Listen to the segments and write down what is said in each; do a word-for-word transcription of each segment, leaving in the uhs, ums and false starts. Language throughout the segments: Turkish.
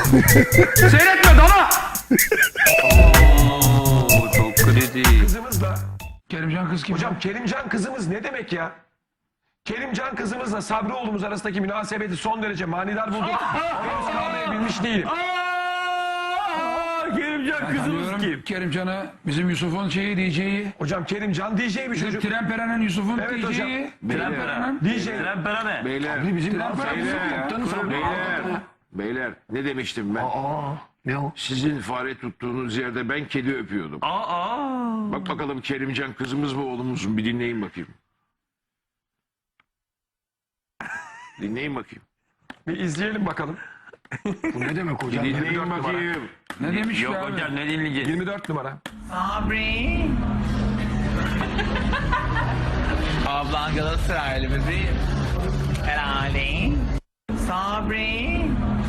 Seyretme dana. Oo, çok kritik. Kızımızla. Kerimcan kız kim? Hocam Kerimcan kızımız ne demek ya? Kerimcan kızımızla Sabri oğlumuz arasındaki münasebeti son derece manidar bulduk. Henüz kavrayabilmiş değilim. Kerimcan kızımız kim? Kerimcan'ı bizim Yusuf'un şeyi D J'yi. Hocam Kerimcan D J bir çocuk. Tremperen'in Yusuf'un Evet D hocam. J'yi. Tremperen. D J. Tremperen ne? Beyler, Bizim Tremperen Yusuf beyler, kaptanı Sabri. beyler, beyler, ne demiştim ben? Ne o? Sizin fare tuttuğunuz yerde ben kedi öpüyordum. Aa. Bak bakalım Kerimcan kızımız mı oğlumuz mu? Bir dinleyin bakayım. Dinleyin bakayım. Bir izleyelim bakalım. Bu ne demek hocam? Dinleyin yirmi dört numara. bakayım. Ne demiş Yok ya abi? hocam ne dinleyeceğiz? yirmi dört numara. Sabri. Ablan Galatasaraylı bebeğim. Herhalde. Sabri.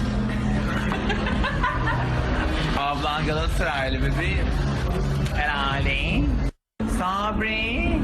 Ablan Galatasaraylı bebeğim. Herhalde. Sabri.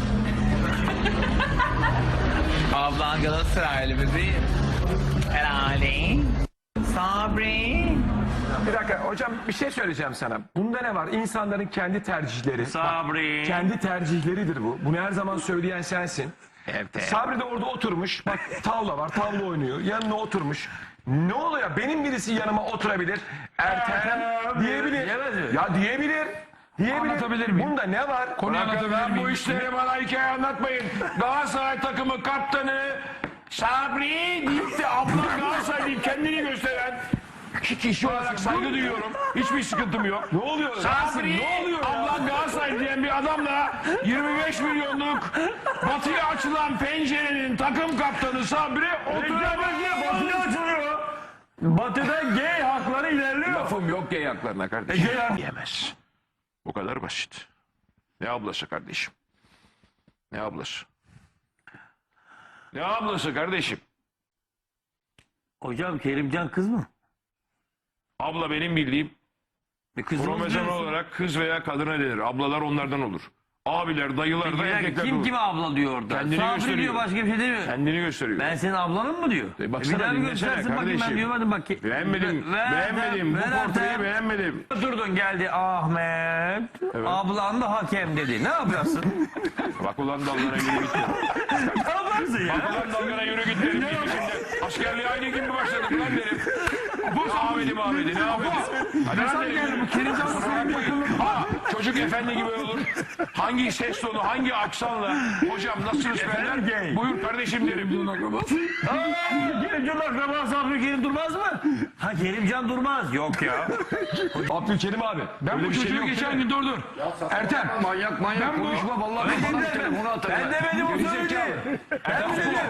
Ablan Galatasaraylı bebeğim. Herhalde. Sabri. Bir dakika hocam bir şey söyleyeceğim sana. Bunda ne var? İnsanların kendi tercihleri. Sabri. Bak, kendi tercihleridir bu. Bunu her zaman söyleyen sensin. Sabri de orada oturmuş. Bak tavla var. Tavla oynuyor. Yanına oturmuş. Ne oluyor? Benim birisi yanıma oturabilir. Ertem diyebilir. Diyemez mi? Ya diyebilir. Diyebilir. Anlatabilir miyim? Bunda ne var? Konuyu anlatabilir miyim? Bu işleri bana hikaye anlatmayın. Galatasaray takımı kaptanı Sabri deyip de abla Galatasaray deyip kendini gösteren ki kişi olarak saygı duyuyorum. Hiçbir sıkıntım yok. Ne oluyor? Sabri, Ne oluyor ya? abla Galatasaray diyen bir adamla yirmi beş milyonluk batıya açılan pencerenin takım kaptanı Sabri oturamıyor. Batı'da açılıyor. Batı'da gay hakları ilerliyor. Lafım yok gay haklarına kardeşim. Yemez. Bu kadar basit. Ne ablası kardeşim? Ne ablası? Ne ablası kardeşim? Hocam Kerimcan kız mı? Abla benim bildiğim Bir kızımız kromozom diyorsun. olarak kız veya kadına denir. Ablalar onlardan olur. Abiler, dayılar da Bir dakika, erkekler kim olur. kime abla diyor orada? Kendini Sabri gösteriyor. diyor başka bir şey demiyor. Kendini gösteriyor. Ben senin ablanım mı diyor? E baksana, bir daha bir dinlesene göstersin bakayım ben kardeşim. diyorum hadi bak. Beğenmedim. Ver- beğenmedim. ver- Bu ver- portreyi ver- beğenmedim. Durdun geldi Ahmet. Ablan da hakem dedi. Ne yaparsın? Bak ulan dallara yürü git. ne yaparsın ya? Bak ulan dallara yürü git derim. Şimdi askerliğe aynı gibi başladım lan derim. Bu Ahmet'im Ahmet'i ne Ahmet'i? Hadi lan derim. Bu Kerimcan'la senin takımın. Ha, çocuk efendi gibi olur. Hangi ses tonu, hangi aksanla hocam nasılsınız derler. Buyur kardeşim derim. Kerimcan akraba Sabri Kerim Durmaz mı? Ha Kerimcan Durmaz. Yok ya. Abdülkerim abi. Ben Öyle bu bir şey çocuğu yok geçen değil mi? gün dur dur. Ertem. Manyak manyak Ben bu- konuşma vallahi ben bana telefonu atarım. Ben demedim o söyledi. Ben mi dedim?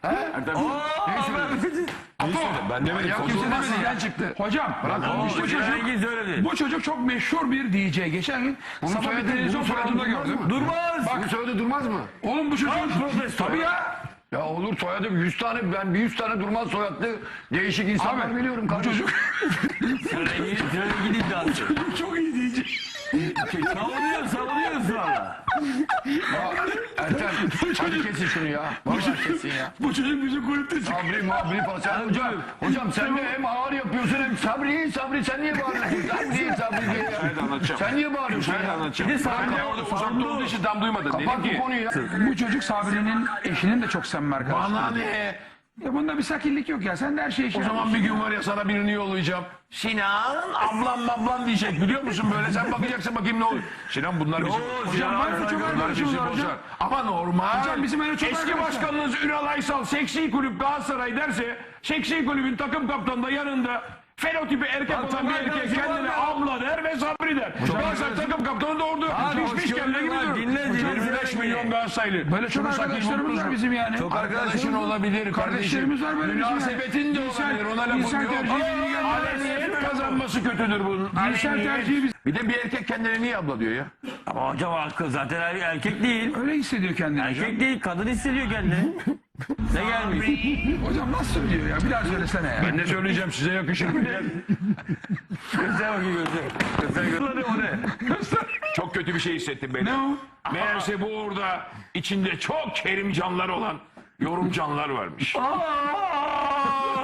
Ben demedim. Ya kimse Kozulmaz. demedi. çıktı. Hocam. Bu Bu çocuk. Rengi söyledi. Bu çocuk çok meşhur bir D J. Geçen gün sabah bir televizyon programında gördüm. Durmaz. Bak soyadı durmaz mı? Oğlum bu çocuk. Tabii ya. Ya olur soyadı yüz tane ben bir yüz tane durmaz soyadlı değişik insanlar Abi, biliyorum Bu kardeşim. çocuk Rengi rengi iddiası. çok iyi D J. Savunuyor savunuyorsun valla. Ertem hadi kesin şunu ya. Vallahi kesin ya. Bu çocuk bizim kulüpte çıktı. Sabri mabri falan. Sen hocam, hocam sen de hem ağır yapıyorsun hem Sabri Sabri sen niye bağırıyorsun? Sabri Sabri diye ya. Sen niye bağırıyorsun ya? Bir de Sabri orada uzakta olduğu için tam duymadın. Kapat bu konuyu ya. Bu çocuk Sabri'nin eşinin de çok samimi arkadaşı. Bana ne? Ya bunda bir sakinlik yok ya. Sen de her şeyi şey O zaman bir gün var ya sana birini yollayacağım. Sinan ablam ablam diyecek biliyor musun böyle sen bakacaksın bakayım ne olur. Sinan bunlar bizim. Hocam var mı çok Bunlar arkadaşımız bizi var hocam. bozar. Ama normal. Hocam bizim öyle çok Eski arkadaşlar. başkanınız Ünal Aysal seksi kulüp Galatasaray derse seksi kulübün takım kaptanı da yanında fenotipi erkek olan bir erkek kendine abla der ve Sabri der. Galatasaray takım kaptanı da orada pişmiş kelle gibi durur. dinle, dinle, yirmi beş dinle. milyon Galatasaraylı. Böyle çok arkadaşlarımız var bizim yani. Çok Arkadaşın olabilir Kardeşlerimiz var böyle bizim. Münasebetin de İnsan- olabilir. Ona lafım insan yok. tercihi bilgi gelmez. Aleniyet kazanması kötüdür bunun. Cinsel Aleniyet. tercihi biz- Bir de bir erkek kendine niye abla diyor ya? Ama hocam hakkı zaten er- erkek değil. Öyle hissediyor kendini hocam. Erkek değil kadın hissediyor kendini. Ne gelmiş? Hocam nasıl söylüyor ya? Bir daha söylesene ya. Ben ne söyleyeceğim size yakışır mı diye. Göster bakayım göster. Göster göster. O ne? Çok kötü bir şey hissettim beni. Ne o? Meğerse bu orada içinde çok kerimcanlar olan yorumcanlar varmış. Aa,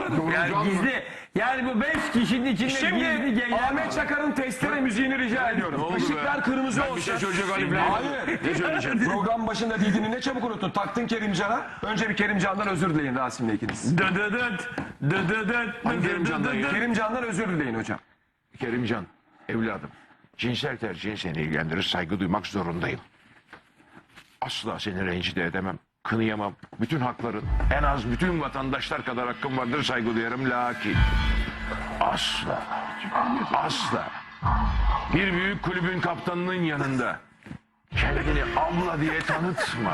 Yani gizli. Yani bu beş kişinin içinde gizli Şimdi geyler Ahmet var. Çakar'ın testere müziğini rica ediyorum. Işıklar kırmızı olsun. Bir şey söyleyecek halim yok. Hayır. Ne söyleyeceğim? Program başında dediğini ne çabuk unuttun. Taktın Kerimcan'a. Önce bir Kerimcan'dan özür dileyin Rasim'le ikiniz. Dı dı dıt, dı dı dıt, dı dı Kerimcan'dan dı ya? dıt. Kerimcan'dan özür dileyin hocam. Kerimcan, evladım. Cinsel tercihin seni ilgilendirir, saygı duymak zorundayım. Asla seni rencide edemem, kınıyamam. Bütün hakların, en az bütün vatandaşlar kadar hakkım vardır, saygı duyarım. Lakin asla, asla bir büyük kulübün kaptanının yanında kendini abla diye tanıtma.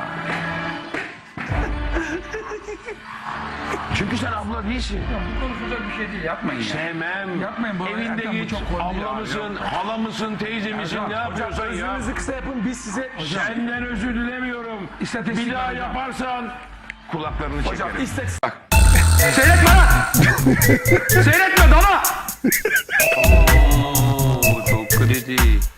Çünkü sen abla değilsin. Bu konuşulacak bir şey değil. Yapmayın ya. Sevmem. Yapmayın bu- Evinde Erkan, bu git. çok kolay Abla ya. mısın, hala mısın, teyze misin, ne yapıyorsan ya. Özürünüzü kısa yapın. Biz size... Senden özür dilemiyorum. İstatistik Bir daha var hocam. yaparsan kulaklarını Hocam çekerim. istatistik... Seyretme lan! Seyretme dala! Oo, çok kritik.